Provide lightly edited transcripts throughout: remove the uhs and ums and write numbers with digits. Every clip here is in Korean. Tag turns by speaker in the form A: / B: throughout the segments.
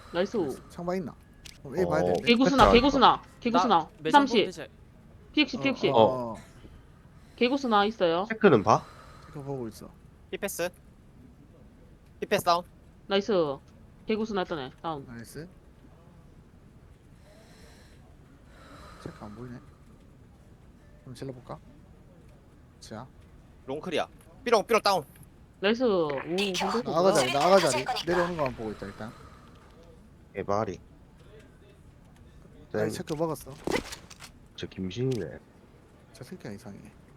A: 나이스.
B: 창방 있나? 그럼 A 봐야 되는데.
A: 개구스나 개구스나 개구스나.
C: 매점
A: 30
C: 대체.
A: PX PX.
B: 어.
A: 개구스나 있어요.
D: 체크는 봐?
B: 체크 보고 있어.
E: 피패스 피패스 다운.
A: 나이스. 개구스나 했다네. 다운.
B: 나이스. 체크 안 보이네. 그럼 질러볼까? 자,
E: 롱클이야. 삐롱 다운.
A: 나이스. 오 근데
B: 나가자리, 나가자리. 내려오는 거만 보고 있다 일단.
D: 개발이.
B: 나 체크 먹었어.
D: 저 김신이네.
B: 저 새끼가 이상해.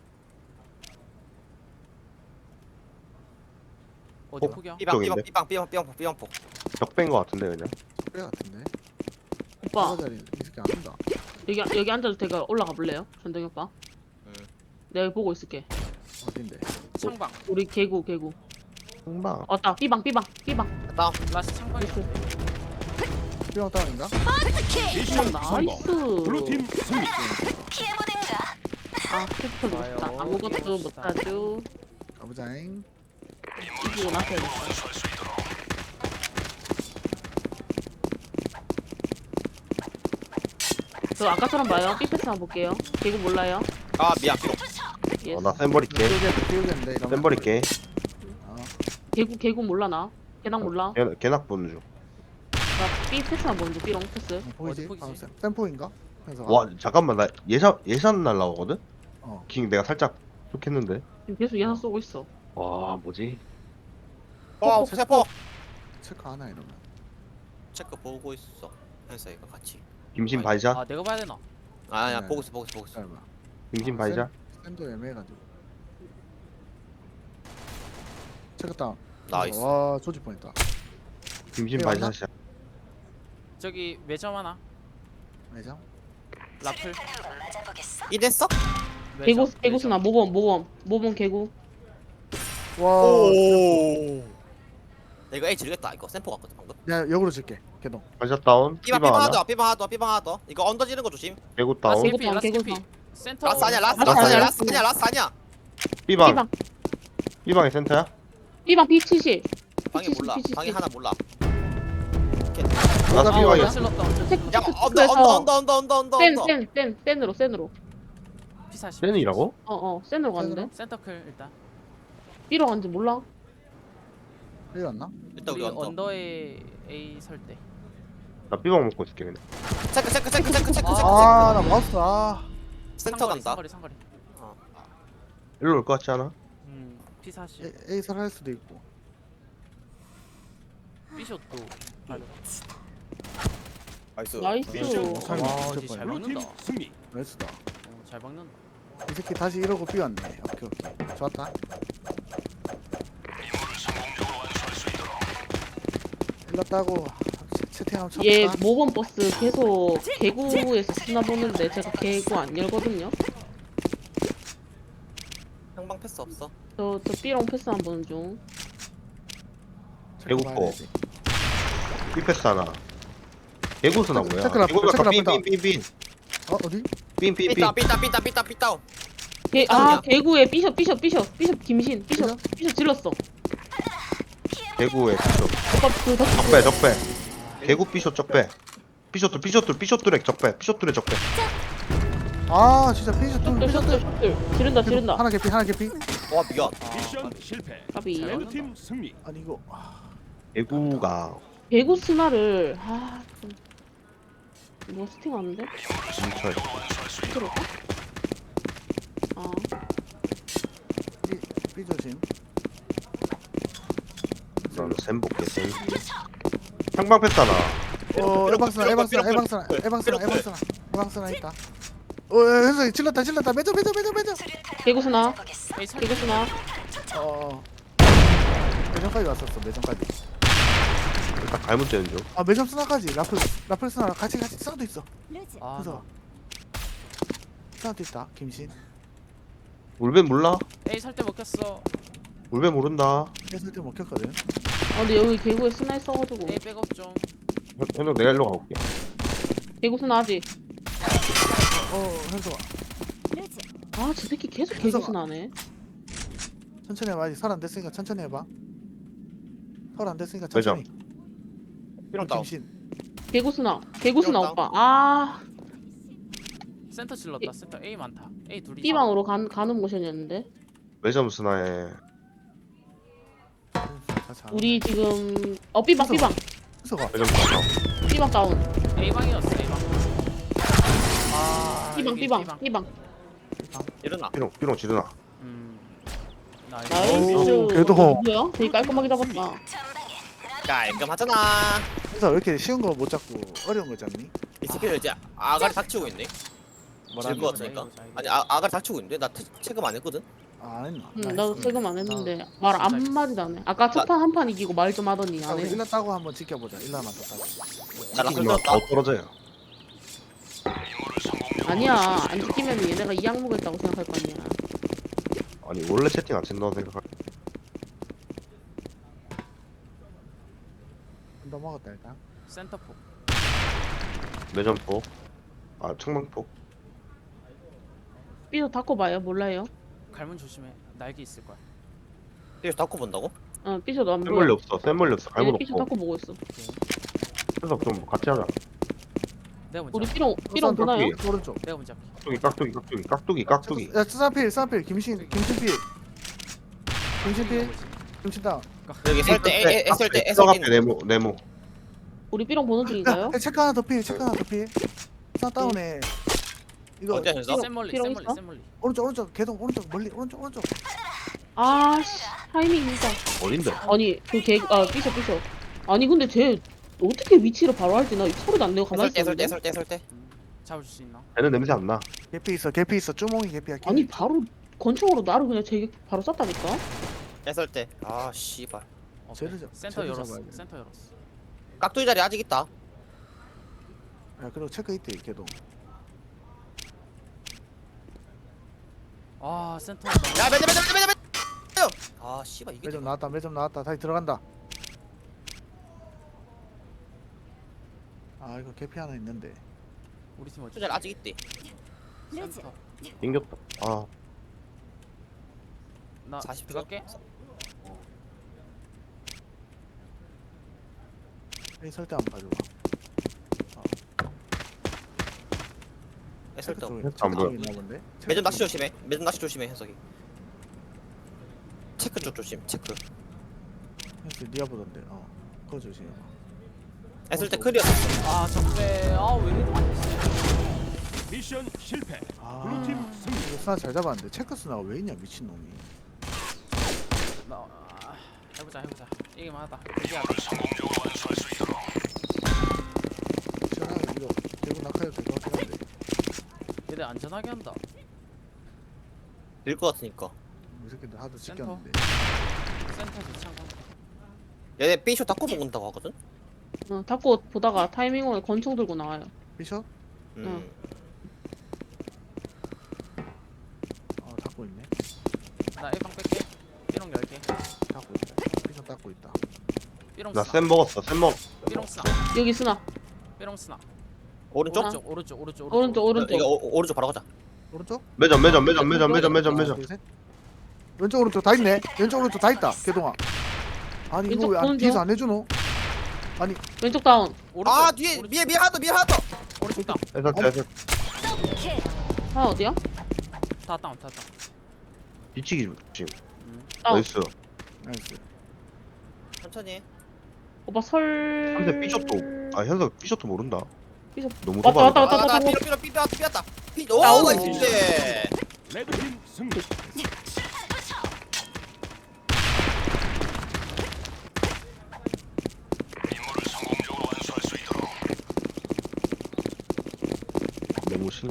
C: 어디 폭이야?
E: 삐방 폭.
D: 적배인 거 같은데 그냥.
B: 뼈 같은데.
A: 오빠
B: 나가자리 이 새끼 안 온다.
A: 여기 앉아도 제가 올라가 볼래요? 전동이 오빠. 내가 보고 있을게.
B: 어딘데?
C: 창방.
A: 우리 개구.
D: 흥방.
A: 왔다. 삐방.
E: 다운.
C: 라스 창방이.
A: 나이스.
B: 뼈 다운인가?
A: 나이스.
F: 블루팀 승리.
A: 아 캡처
C: 좋아요.
A: 못했다. 아무것도 못하죠.
B: 가보자잉.
A: 이기고 나서야겠다. 저 아까처럼 봐요. 삐패스 한번 볼게요. 개구 몰라요?
E: 아 미안 삐롱.
A: 예스.
D: 나 샘버릴게.
B: 띄우겠는데 이러면.
D: 샘버릴게.
B: 어.
A: 개구 몰라 나. 개낭 몰라.
D: 개낙 보는 중.
A: 나 삐패스 한번 보는데 삐롱 패스.
B: 보이지?
C: 어디 보이지?
B: 샘포인가? 그래서
D: 와 잠깐만 나 예산 날라오거든?
B: 어.
D: 킹 내가 살짝 좋겠는데.
A: 지금 계속 예산 쏘고 있어.
D: 와 뭐지?
E: 세포.
B: 체크 하나 이러면.
E: 체크 보고 있어. 현서이가 같이.
D: 김신 바이자.
C: 아 내가 봐야 되나?
E: 아니야
B: 네.
E: 보고 있어.
B: 짧아.
D: 김신 바이자.
B: 샌도 애매해가지고. 체크 다운.
E: 나이스.
B: 와 조질 뻔했다.
D: 김신
B: 네,
D: 바이자.
B: 맞나?
D: 시작.
C: 저기 매점 하나.
B: 매장?
C: 라플.
E: 이랬어?
A: 개구스나 모범 개구.
B: 와.
E: 오. 내가 A 지르겠다. 이거 샘포 같거든 방금.
B: 내가 역으로 줄게. 개동.
D: 바이자 다운.
E: 삐방
D: 삐방 하나.
E: 삐방 하나 더. 이거 언더 지는 거 조심.
D: 개구
C: 라스
D: 다운.
A: 개구
C: 개피,
A: 다운,
C: 라스
A: 개구
C: 개피.
A: 다운.
C: 센터.
E: 라스 아니야. 라스 아니야.
D: 삐방.
A: 삐방.
D: 삐방의 센터야?
A: 삐방 P70.
E: 방이 몰라. 방이 하나 몰라.
D: 나도
B: 아,
D: 삐방이야.
C: 찔렀다.
E: 야 언더.
A: 센으로.
C: P40.
D: 센이라고?
A: 센으로 갔는데.
C: 센터클 일단.
A: 삐로 간지 몰라.
B: 여기 왔나?
E: 일단 우리
C: 우리
E: 언더.
C: 언더에 A 설 때.
D: 나 삐방 먹고 있을게 그냥.
E: 체크.
B: 아, 나 마우스. 아.
E: 센터 간다.
C: 상거리.
D: 일로 올 것 같지 않아?
C: P40.
B: A 설 할 수도 있고.
C: B숏도.
E: 나이스.
A: 나이스.
B: 잘
C: 와,
B: 맞췄다,
C: 진짜 잘
B: 이거.
F: 블루팀
C: 먹는다.
F: 승리.
B: 나이스다.
C: 잘 박는다.
B: 이 새끼 다시 이러고 삐왔네. 오케이. 좋았다. 일렀다고 채팅 한번 쳐볼까?
A: 얘 모범 버스 계속 개구에서 쓰나 보는데 제가 개구 안 열거든요.
E: 형방 패스 없어.
A: 저 삐롱 패스 한 번 중.
B: 체크
D: 개구
B: 봐야
D: 거.
B: 되지.
D: 삐패스 하나. 개구스나 뭐야?
B: 체크 라플,
D: 개구가
B: 체크 라플
D: 빈.
B: 어, 어디?
D: 삐
E: 삐다운.
A: 개구에 삐숍 김신 삐숍 질렀어.
D: 개구의 삐쇼.
A: 오빠 그
D: 적배. 개구 삐쇼 적배. 삐쇼돌 적배. 삐쇼돌의 적배.
B: 아, 진짜 피셔 또
A: 셔틀 지른다.
B: 하나 개피.
E: 와 미안.
F: 미션 실패.
A: 까비.
F: 블루팀 승리.
B: 아니 이거
D: 개구가
A: 개구 스나를 좀 뭐 스팅하는데?
D: 진짜
A: 들어가?
B: 삐 조심.
D: 넌 샘복게 센. 상방 패스 하나.
B: 에방스나 있다. 현석이 찔렀다. 매점.
A: 개구 스나.
C: A 설
A: 개구 스나.
B: 매점까지 왔었어. 매점까지.
D: 딱 갈문 째는 중.
B: 아, 매점 스나까지. 라플 스나랑 같이 싸도 있어.
C: 아,
B: 그래서 싸도 있다. 김신.
D: 울벤 몰라?
C: A 설 때 먹혔어.
D: 울벤 모른다.
B: 했을 때 먹혔거든.
A: 근데 여기 개구에 스나 있어가지고.
C: A 백업 좀.
D: 현석 내가 일로 가볼게.
A: 개구 스나 하지.
B: 현석아.
A: 저 새끼 계속 개구 스나네.
B: 천천히 해봐. 아직 설 안 됐으니까 천천히 해봐. 설 안 됐으니까
D: 매점.
B: 천천히.
E: 삐롱 다운.
B: 김신.
A: 개구스나
E: 다운.
A: 오빠. 아
C: 센터 질렀다. 센터 A 많다. A 둘이.
A: B방으로 가는 모션이었는데
D: 매점 스나에
A: 우리 지금 B방
B: 수가.
D: 매점 스나.
A: B방 다운.
C: A 방이었어. A 방. 아. 여기
A: B방.
E: 일어나.
D: 삐롱 지르나.
C: 나이스.
A: 나이스.
B: 오, 그래도.
A: 뭐야? 되게 깔끔하게 잡았다.
E: 깔끔하잖아.
B: 그래서 왜 이렇게 쉬운 거 못 잡고 어려운 거 잡니?
E: 이 새끼들 이제 아가리 닥치고 있네.
B: 뭐라는
E: 질것
B: 거지?
E: 같으니까. 아니 아가리 닥치고 있는데 나 체금 안 했거든.
B: 아, 안 했나?
A: 나도 세금 안 했는데 말 한마디도 안 해. 아까 첫 판 한 판 이기고 말 좀 하더니
B: 아,
A: 안
B: 우리
A: 해.
B: 일라 따고 한번 지켜보자. 일라만 더 따고.
E: 나 라플
D: 더
E: 떴다.
D: 떨어져요.
A: 아니야. 안 지키면 얘네가 이 항목을 했다고 생각할 거 아니야.
D: 아니 원래 채팅 안 친다고 생각할.
B: 더 먹었다 일단.
C: 센터 폭.
D: 매점포. 아 청망포.
A: B도 닫고 봐요. 몰라요.
C: 갈문 조심해. 날개 있을 거야.
E: 이거 닫고 본다고?
A: B도 안
D: 센 멀리
A: 보여.
D: 없어. 센 멀리 없어. 갈문
A: 얘네 B도
D: 없고.
A: 닫고 보고 있어.
D: 그래서 좀 같이 하자.
C: 내가 먼저.
A: 우리
C: 할게.
A: B롱 보나요?
B: 오른쪽.
C: 내가 먼저. 할게.
D: 깍두기.
B: 야, 스나필, 스나필, 김신필. 김신필. 김신다.
E: 여기 설때 애설때
D: 애설 때 네모.
A: 우리 B롱 보는 중인가요?
B: 야, 체크 하나 더 필, 체크 하나 더 필. 스나 다운에. 이거
E: 어디야 현서?
C: 센 멀리.
A: 피롱
C: 센 멀리.
A: 있어?
C: 센 멀리.
B: 오른쪽 개동 오른쪽 멀리 오른쪽.
A: 아씨 타이밍 진짜.
D: 어딘데?
A: 아니 삐셔. 아니 근데 쟤 어떻게 위치를 바로 할지 나 소리도 안 내고 가만히 있었는데.
E: 애설때.
C: 잡을 수 있나?
D: 걔는 냄새 안 나.
B: 개피 있어. 쭈몽이 개피야.
A: 아니 바로 권총으로 나를 그냥 쟤 바로 쐈다니까.
E: 애설때. 아 씨발.
C: 오케이.
B: 쟤를
C: 센터
B: 쟤를
C: 열었어.
B: 잡아야 돼.
C: 센터 열었어.
E: 깍두기 자리 아직 있다.
B: 야, 그리고 체크 있대 개동.
C: 아 센터.
E: 야 매점. 아 씨발 이게.
B: 매점 나왔다. 다시 들어간다. 아, 이거 개피 하나 있는데.
C: 우리 팀 어디?
E: 자리 아직 있대.
C: 센터.
D: 땡겼다. 아
C: 나
E: 40초.
C: 들어갈게.
B: 이 설대 한번 봐줘.
E: 애설때.
D: 안 보여.
B: 있나 본데.
E: 매점 낚시 조심해. 매점 낚시 조심해 현석이. 체크 쪽 조심. 체크.
B: 현수 니가 보던데. 그거 조심.
E: 애설때 클리어.
C: 아 적배. 아왜 이래?
F: 미션 실패.
B: 아,
F: 블루팀 승리.
B: 이거 스나 잘 잡았는데 체크 스나가 왜 있냐 미친 놈이.
C: 해보자. 이기만 하다. 이기하다.
B: 시원하게 이거 대구 낙하해도 될것 같긴 한데.
C: 얘들 안전하게 한다.
E: 될것 같으니까.
B: 이 새끼들 하도
C: 센터.
B: 지켰는데.
C: 센터에서 창고.
E: 얘네 B쇼 닫고 먹는다고 하거든.
A: 닫고 보다가 타이밍 오에 권총 들고 나와요.
B: 비숍?
E: 음.
B: 닫고 있네.
C: 나 1방 뺄게. 삐롱 10개.
B: 닫고 있다. 비숍 닫고 있다.
C: 삐롱
D: 나
C: 스나.
D: 쌤 먹었어.
C: 삐롱 스나.
A: 여기 스나.
C: 삐롱 스나.
E: 오른쪽?
C: 오른쪽.
A: 오른쪽.
E: 이거 오른쪽 바로 가자.
B: 오른쪽?
D: 매점.
B: 하나, 둘, 셋. 왼쪽 오른쪽 다 있네. 왼쪽 오른쪽 다 있다. 개동아. 아니 이거
A: 왼쪽
B: 왜
A: 보는
B: 뒤에서
A: 중.
B: 안 해주노? 아니
A: 왼쪽 다운.
C: 오른쪽.
E: 아 뒤에 미에 하나 더.
C: 오른쪽 다운.
D: 애설
A: 하나 어디야?
C: 다 다운.
D: 뒤치기 지금.
A: 다운.
D: 나이스.
B: 나이스.
E: 천천히 해.
A: 오빠 설.
D: 근데 삐셔도 현석 삐셔도 모른다.
A: 삐셔.
D: 너무
A: 왔다,
D: 도발이다.
A: 왔다.
E: 나 삐었다. 오
A: 아우.
E: 나이스.
F: 레드팀 승리.
D: 너무 신.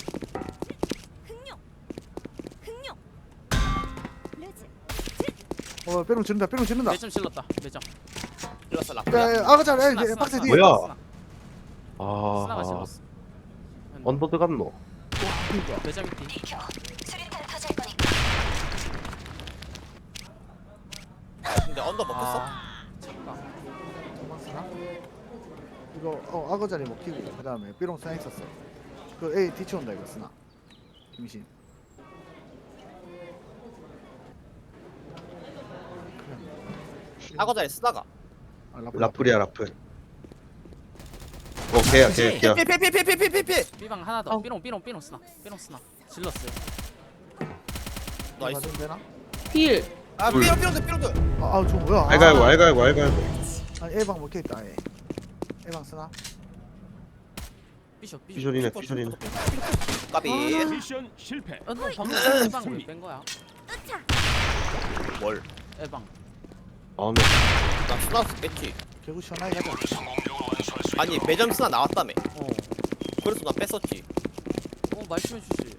B: 뼈롱 지른다.
C: 매점 질렀다. 매점.
E: 일렀어 라.
B: 야, 아가잘,
C: 스나,
B: 박스
C: 스나,
B: 뒤에.
D: 뭐야?
C: 스나. 스나가
D: 아
C: 질렀어.
D: 언더 들어갔노.
C: 매점 있디.
E: 근데 언더 먹혔어?
C: 잠깐.
B: 박스나? 이거 아가자리 먹히고 그 다음에 삐롱 스나 있었어. 그 A 뒤쳐온다 이거 스나. 김신.
E: 사고 자리 쓰다가.
B: 아,
D: 라플이야 라플. 걔야 걔야.
E: 피피피피피피피피.
C: B방 하나 더.
A: 어.
C: 삐롱 쓰나. 질렀어요.
E: 나이스.
B: 맞으면 되나?
A: 필.
E: 아
D: 둘.
E: 삐롱들.
B: 저 뭐야?
D: 알갈고 알갈고.
B: 아니 A방 먹혀있다 얘. A방 쓰나?
C: 삐쇼.
D: 삐쇼리네 삐쇼리네.
E: 까비.
F: 미션 실패.
C: 너 방금 B방
F: 승리.
C: 왜뺀 거야?
E: 뭘?
C: A방.
D: 아 네.
E: 나 스나스 뺐지.
B: 개구 시원하게 가자.
E: 아니 매점 스나 나왔다며.
C: 어.
E: 그래서 나 뺐었지.
C: 말씀해 주지.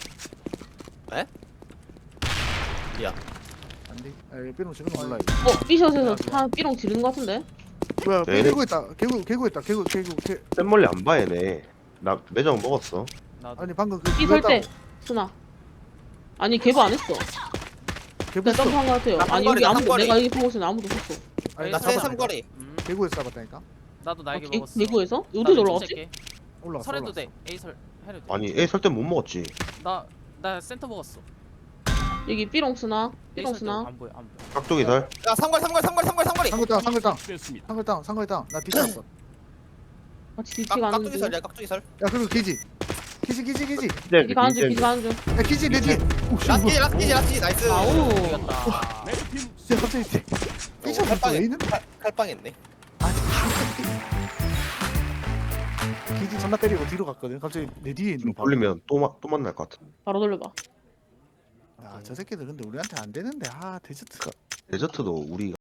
E: 미안.
B: 안돼. 삐롱 지금 몰라 이거.
A: 삐숏에서 차 삐롱 지른 거 같은데?
B: 뭐야?
D: 네.
B: 개구 있다. 개구 있다. 개구.
D: 센 멀리 안 봐 얘네. 나 매장 먹었어.
C: 나도.
B: 아니 방금 그
A: 삐 설 때. 순아. 아니 개보 안 했어.
B: 개구
A: 내가
B: 있어.
A: 점프한 거 같아요.
E: 나
A: 아니
E: 삼거리,
A: 여기
E: 나
A: 아무도
E: 삼거리.
A: 내가 여기 보고 있었는데 아무도 없었어.
B: 아니
E: 나
B: 나
E: 세
B: 잡아.
E: 삼거리.
B: 개구에서 잡았다니까.
C: 나도 날개
A: 어,
C: 먹었어.
A: 개구에서? 어디
C: 나 왼쪽
A: 올라갔지?
C: 셀게.
B: 올라왔어.
C: 설해도
B: 올라왔어.
C: 돼. A 설 해도 돼.
D: 아니 A 설 때 못 먹었지.
C: 나 센터 먹었어.
A: 여기 삐롱 쓰나?
C: A
A: 삐롱
C: 설때
A: 쓰나?
C: 안 보여.
D: 깍두기 살.
E: 야 삼거리.
B: 상글 다운.
F: 됐습니다.
B: 상글 다운. 나 뒤쳤어.
A: 같이 뒤치가 하는
E: 깍두기
A: 중.
E: 설이야 깍두기 설.
B: 야 그리고 기지. 기지.
D: 이제
A: 뒤 가는 중. 뒤 가는 중.
B: 야 기지 내 뒤에. 오 씨. 뭐야.
E: 라스키지 나이스.
A: 아우.
C: 이겼다.
F: 레드팀
B: 야 갑자기 삐쳐 왜 있는데?
E: 칼빵했네.
B: 기지 존나 때리고 뒤로 갔거든. 갑자기 내 뒤에 있는
D: 좀
B: 거 봐.
D: 돌리면 또 만날 것 같아.
A: 바로 돌려봐.
B: 야, 저 새끼들 근데 우리한테 안 되는데. 아, 데저트.
D: 데저트도 우리